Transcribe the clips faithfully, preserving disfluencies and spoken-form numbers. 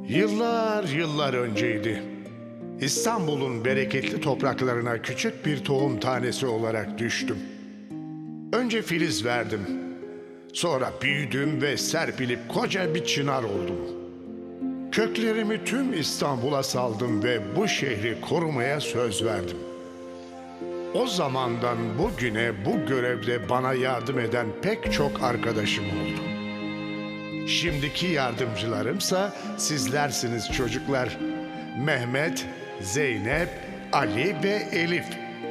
Yıllar yıllar önceydi. İstanbul'un bereketli topraklarına küçük bir tohum tanesi olarak düştüm. Önce filiz verdim. Sonra büyüdüm ve serpilip koca bir çınar oldum. Köklerimi tüm İstanbul'a saldım ve bu şehri korumaya söz verdim. O zamandan bugüne bu görevde bana yardım eden pek çok arkadaşım oldu. Şimdiki yardımcılarımsa sizlersiniz çocuklar. Mehmet, Zeynep, Ali ve Elif.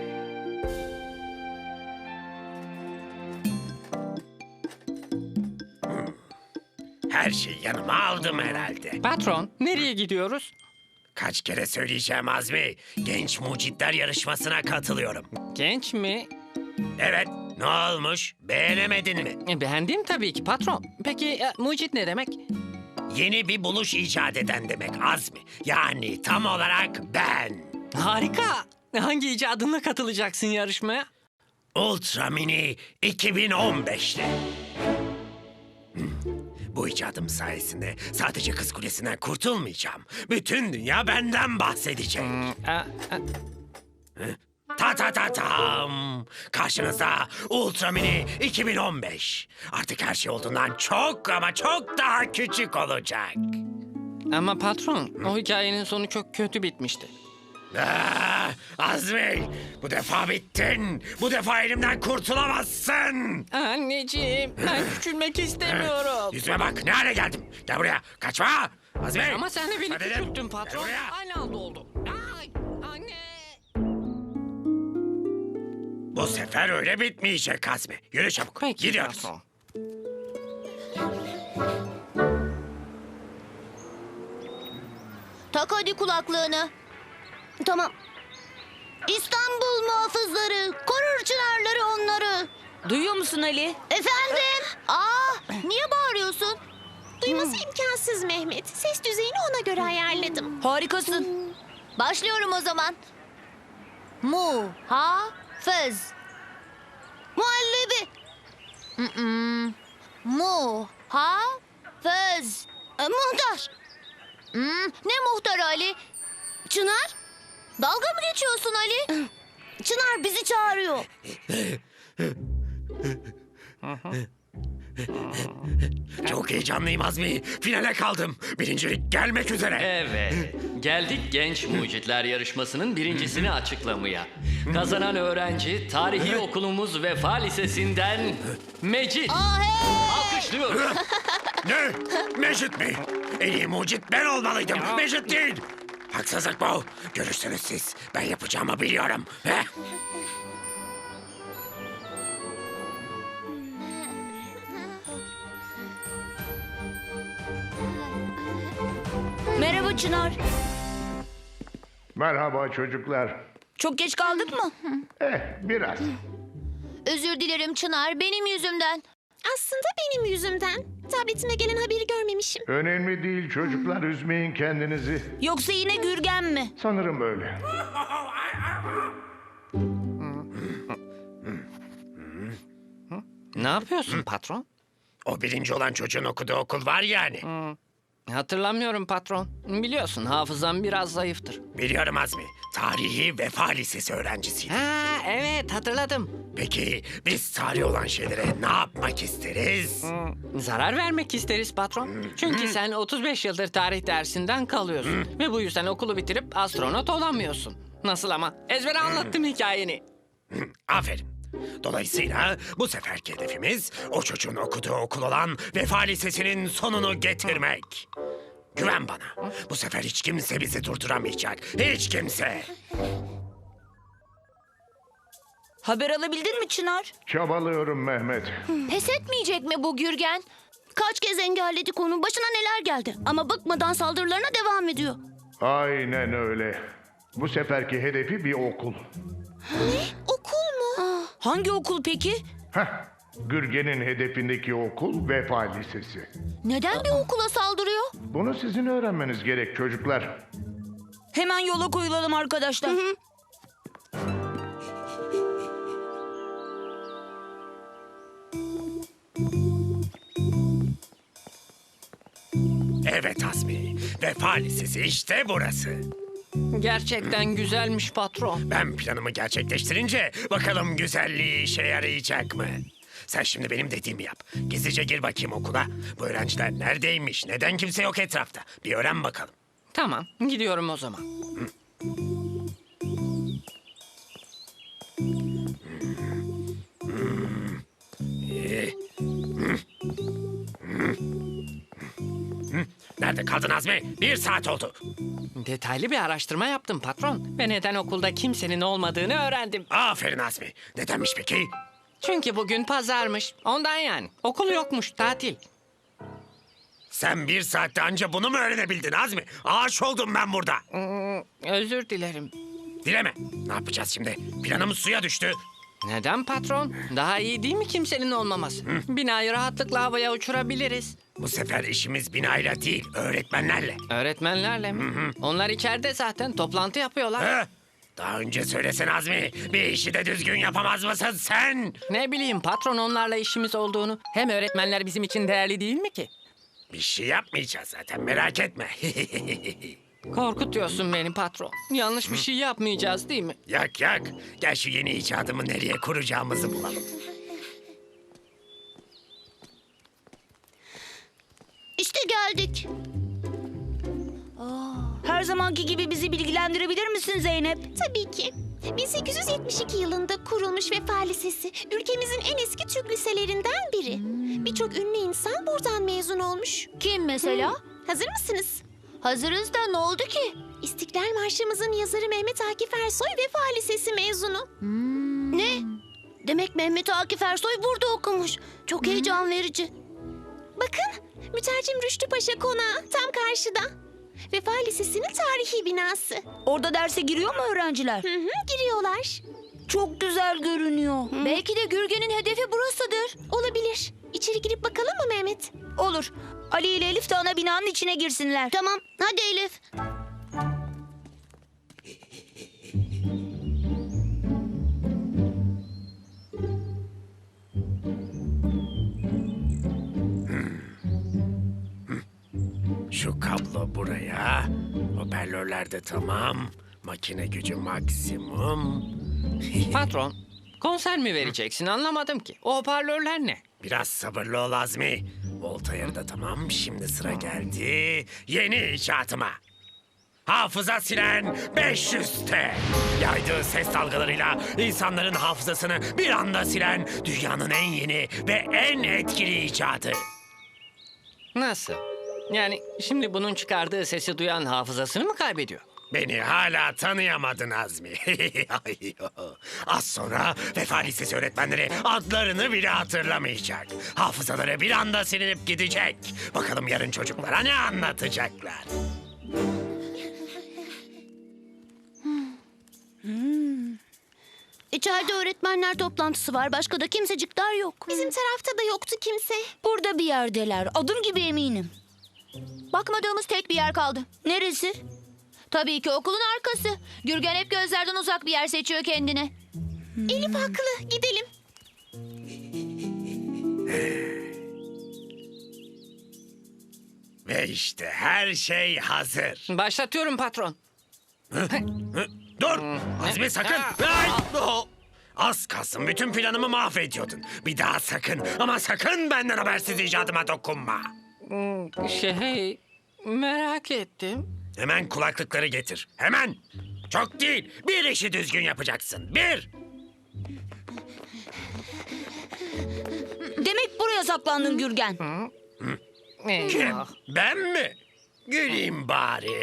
Her şeyi yanıma aldım herhalde. Patron, nereye gidiyoruz? Kaç kere söyleyeceğim Azmi. Genç mucitler yarışmasına katılıyorum. Genç mi? Evet, ne olmuş? Beğenemedin mi? E, Beğendim tabii ki patron. Peki e, mucit ne demek? Yeni bir buluş icat eden demek Azmi. Yani tam olarak ben. Harika. Hangi icadınla katılacaksın yarışmaya? Ultra Mini iki bin on beş'te. Hmm, Bu icadım sayesinde sadece Kız Kulesi'nden kurtulmayacağım. Bütün dünya benden bahsedecek. E, e, Ta ta ta tam. Karşınızda Ultra Mini iki bin on beş. Artık her şey olduğundan çok ama çok daha küçük olacak. Ama patron, o hikayenin sonu çok kötü bitmişti. Ah, Azmi, bu defa bittin. Bu defa elimden kurtulamazsın. Anneciğim, ben küçülmek istemiyorum. Yüzüme bak, ne hale geldim. Gel buraya, kaçma. Azmi. Ama sen de beni Hadi dedim. küçülttün Gel patron. buraya. Aynı anda oldu. Ay, anne. Bu sefer öyle bitmeyecek Azmi. Yürü çabuk, Peki gidiyoruz. patron. Tak hadi kulaklığını. Tamam. İstanbul muhafızları, korur çınarları onları. Duyuyor musun Ali? Efendim? Aa, niye bağırıyorsun? Duyması imkansız Mehmet. Ses düzeyini ona göre ayarladım. Harikasın. Başlıyorum o zaman. Mu, ha, fız. Muhallebi. Mm-mm. Mu, ha, fız. E, muhtar. Hmm, ne muhtar Ali? Çınar? Dalga mı geçiyorsun Ali? Çınar bizi çağırıyor. Çok heyecanlıyım Azmi. Finale kaldım. Birincilik gelmek üzere. Evet, geldik Genç Mucitler Yarışması'nın birincisini açıklamaya. Kazanan öğrenci tarihi okulumuz Vefa Lisesi'nden Mecit. Aa, hey! Alkışlıyoruz. Ne? Mecit mi? En iyi mucit ben olmalıydım. Mecit değil. Haksızlık bu. Görürsünüz siz. Ben yapacağımı biliyorum. Heh. Merhaba Çınar. Merhaba çocuklar. Çok geç kaldık mı? Eh, biraz. Özür dilerim Çınar, benim yüzümden. Aslında benim yüzümden. Tabletime gelen haberi görmemişim. Önemli değil çocuklar, üzmeyin kendinizi. Yoksa yine Gürgen mi? Sanırım öyle. Ne yapıyorsun patron? O birinci olan çocuğun okuduğu okul var yani. Hatırlamıyorum patron. Biliyorsun hafızam biraz zayıftır. Biliyorum Azmi. Tarihi Vefa Lisesi öğrencisiydim. Ha evet hatırladım. Peki biz tarih olan şeylere ne yapmak isteriz? Zarar vermek isteriz patron. Çünkü sen otuz beş yıldır tarih dersinden kalıyorsun. Ve bu yüzden okulu bitirip astronot olamıyorsun. Nasıl ama? Ezbere anlattım hikayeni. Aferin. Dolayısıyla bu seferki hedefimiz o çocuğun okuduğu okul olan Vefa Lisesi'nin sonunu getirmek. Güven bana. Bu sefer hiç kimse bizi durduramayacak. Hiç kimse. Haber alabildin mi Çınar? Çabalıyorum Mehmet. Pes etmeyecek mi bu Gürgen? Kaç kez engelledik onu, başına neler geldi. Ama bıkmadan saldırılarına devam ediyor. Aynen öyle. Bu seferki hedefi bir okul. Okul mu? Hangi okul peki? Heh, Gürgen'in hedefindeki okul Vefa Lisesi. Neden bir okula saldırıyor? Bunu sizin öğrenmeniz gerek çocuklar. Hemen yola koyulalım arkadaşlar. Evet Azmi. Vefa Lisesi işte burası. Gerçekten güzelmiş patron. Ben planımı gerçekleştirince bakalım güzelliği işe yarayacak mı? Sen şimdi benim dediğimi yap. Gizlice gir bakayım okula. Bu öğrenciler neredeymiş? Neden kimse yok etrafta? Bir öğren bakalım. Tamam, gidiyorum o zaman. Nerede kaldın Azmi? Bir saat oldu. Detaylı bir araştırma yaptım patron. Ve neden okulda kimsenin olmadığını öğrendim. Aferin Azmi. Nedenmiş peki? Çünkü bugün pazarmış. Ondan yani. Okul yokmuş, tatil. Sen bir saatte anca bunu mu öğrenebildin Azmi? Ağaç oldum ben burada. Özür dilerim. Dileme. Ne yapacağız şimdi? Planımız suya düştü. Neden patron? Daha iyi değil mi kimsenin olmaması? Binayı rahatlıkla havaya uçurabiliriz. Bu sefer işimiz binayla değil, öğretmenlerle. Öğretmenlerle mi? Onlar içeride zaten toplantı yapıyorlar. Hı? Daha önce söylesene Azmi. Bir işi de düzgün yapamaz mısın sen? Ne bileyim patron onlarla işimiz olduğunu. Hem öğretmenler bizim için değerli değil mi ki? Bir şey yapmayacağız zaten, merak etme. Korkutuyorsun beni patron. Yanlış bir şey yapmayacağız değil mi? Yak yak. Gel şu yeni icadımı nereye kuracağımızı bulalım. İşte geldik. Her zamanki gibi bizi bilgilendirebilir misin Zeynep? Tabii ki. bin sekiz yüz yetmiş iki yılında kurulmuş Vefa Lisesi, ülkemizin en eski Türk liselerinden biri. Birçok ünlü insan buradan mezun olmuş. Kim mesela? Hazır mısınız? Hazırız da ne oldu ki? İstiklal Marşımızın yazarı Mehmet Akif Ersoy Vefa Lisesi mezunu. Ne? Demek Mehmet Akif Ersoy burada okumuş. Çok heyecan verici. Bakın, mütercim Rüştü Paşa Konağı tam karşıda. Vefa Lisesi'nin tarihi binası. Orada derse giriyor mu öğrenciler? Hı hı, giriyorlar. Çok güzel görünüyor. Belki de Gürgen'in hedefi burasıdır. Olabilir. İçeri girip bakalım mı Mehmet? Olur. Ali ile Elif de ana binanın içine girsinler. Tamam, hadi Elif. Şu kablo buraya. Hoparlörler de tamam. Makine gücü maksimum. Patron, konser mi vereceksin anlamadım ki. O hoparlörler ne? Biraz sabırlı ol Azmi. Volt ayarı da tamam. Şimdi sıra geldi yeni icatıma. Hafıza silen beş yüz T. Yaydığı ses dalgalarıyla insanların hafızasını bir anda silen dünyanın en yeni ve en etkili icadı. Nasıl? Yani şimdi bunun çıkardığı sesi duyan hafızasını mı kaybediyor? Beni hala tanıyamadın Azmi. Az sonra Vefa Lisesi öğretmenleri adlarını bile hatırlamayacak. Hafızaları bir anda silinip gidecek. Bakalım yarın çocuklara ne anlatacaklar. İçeride öğretmenler toplantısı var. Başka da kimsecikler yok. Bizim tarafta da yoktu kimse. Burada bir yerdeler. Adım gibi eminim. Bakmadığımız tek bir yer kaldı. Neresi? Tabii ki okulun arkası. Gürgen hep gözlerden uzak bir yer seçiyor kendine. Elif haklı. Gidelim. Ve işte her şey hazır. Başlatıyorum patron. Hı? Dur! Azmi sakın! Ay! Oh! Az kalsın bütün planımı mahvediyordun. Bir daha sakın ama sakın benden habersiz icadıma dokunma. Şey, merak ettim. Hemen kulaklıkları getir. Hemen! Çok değil. Bir işi düzgün yapacaksın. Bir! Demek buraya saklandın Gürgen. Kim? Eyvah. Ben mi? Güleyim bari.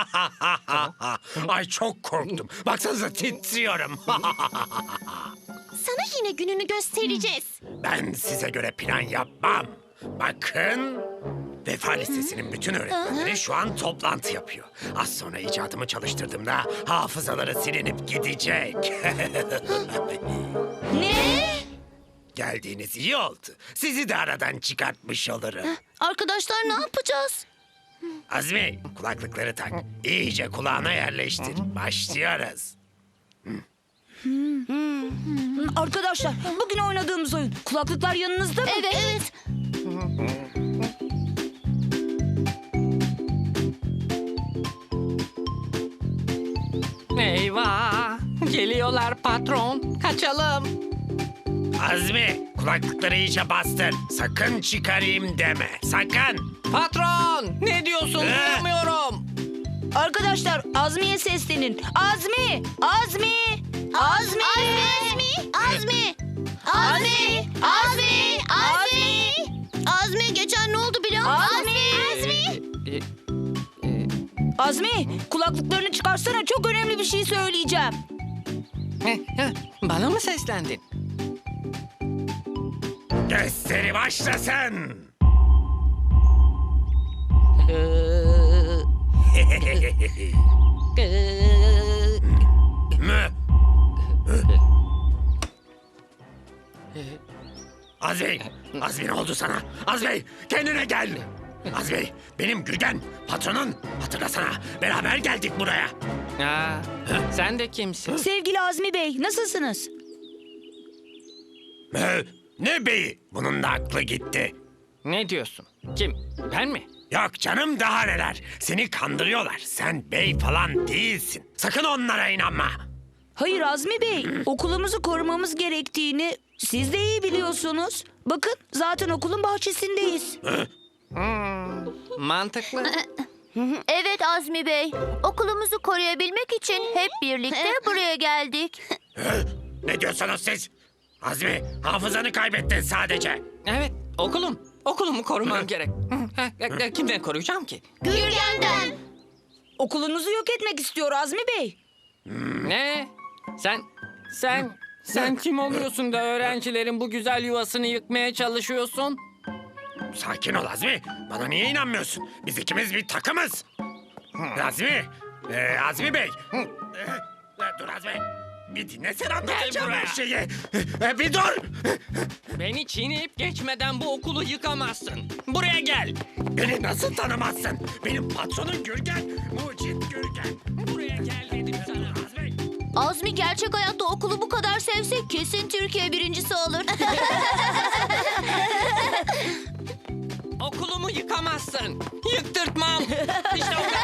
Ay çok korktum. Baksanıza titriyorum. Sana yine gününü göstereceğiz. Ben size göre plan yapmam. Bakın. Vefa Lisesi'nin bütün öğretmenleri şu an toplantı yapıyor. Az sonra icadımı çalıştırdığımda hafızaları silinip gidecek. Ne? Geldiğiniz iyi oldu. Sizi de aradan çıkartmış olurum. Arkadaşlar ne yapacağız? Azmi, kulaklıkları tak. İyice kulağına yerleştir. Başlıyoruz. Arkadaşlar bugün oynadığımız oyun. Kulaklıklar yanınızda mı? Evet, evet. Eyvah! Geliyorlar patron. Kaçalım. Azmi, kulaklıkları iyice bastır. Sakın çıkarayım deme. Sakın. Patron! Ne diyorsun? Ee? Duyamıyorum. Arkadaşlar Azmi'ye seslenin. Azmi! Azmi! Azmi! Azmi! Azmi! Azmi! Azmi! Azmi! Azmi geçen ne oldu biliyor musun? Azmi! Azmi! Azmi! Kulaklıklarını çıkarsana, çok önemli bir şey söyleyeceğim. Heh, heh, Bana mı seslendin? Gösteri başlasın. Mü? Azmi, Azmi ne oldu sana? Azmi, kendine gel. Azmi, benim Gürgen, patronun. Hatırlasana, beraber geldik buraya. Aa, sen de kimsin? Sevgili Azmi Bey, nasılsınız? Mü? Ne beyi? Bunun da aklı gitti. Ne diyorsun? Kim? Ben mi? Yok canım, daha neler. Seni kandırıyorlar. Sen bey falan değilsin. Sakın onlara inanma. Hayır Azmi Bey, okulumuzu korumamız gerektiğini siz de iyi biliyorsunuz. Bakın, zaten okulun bahçesindeyiz. Mantıklı. Evet Azmi Bey. Okulumuzu koruyabilmek için hep birlikte buraya geldik. Ne diyorsunuz siz? Azmi, hafızanı kaybettin sadece. Evet, okulum. Okulumu korumam gerek. Kimden koruyacağım ki? Gürgen'den. Okulunuzu yok etmek istiyor Azmi Bey. Ne? Sen, sen, sen kim oluyorsun da öğrencilerin bu güzel yuvasını yıkmaya çalışıyorsun? Sakin ol Azmi. Bana niye inanmıyorsun? Biz ikimiz bir takımız. Azmi, ee, Azmi Bey. Ee, dur Azmi. Bir dinlesene, anlatacağım her şeyi. Ee, bir dur. Beni çiğneyip geçmeden bu okulu yıkamazsın. Buraya gel. Beni nasıl tanımazsın? Benim patronum Gürgen. Mucit Gürgen. Buraya gel dedim sana. Azmi. Azmi gerçek hayatta okulu bu kadar sevse kesin Türkiye birincisi olur. Okulumu yıkamazsın. Yıktırtmam. İşte o kadar.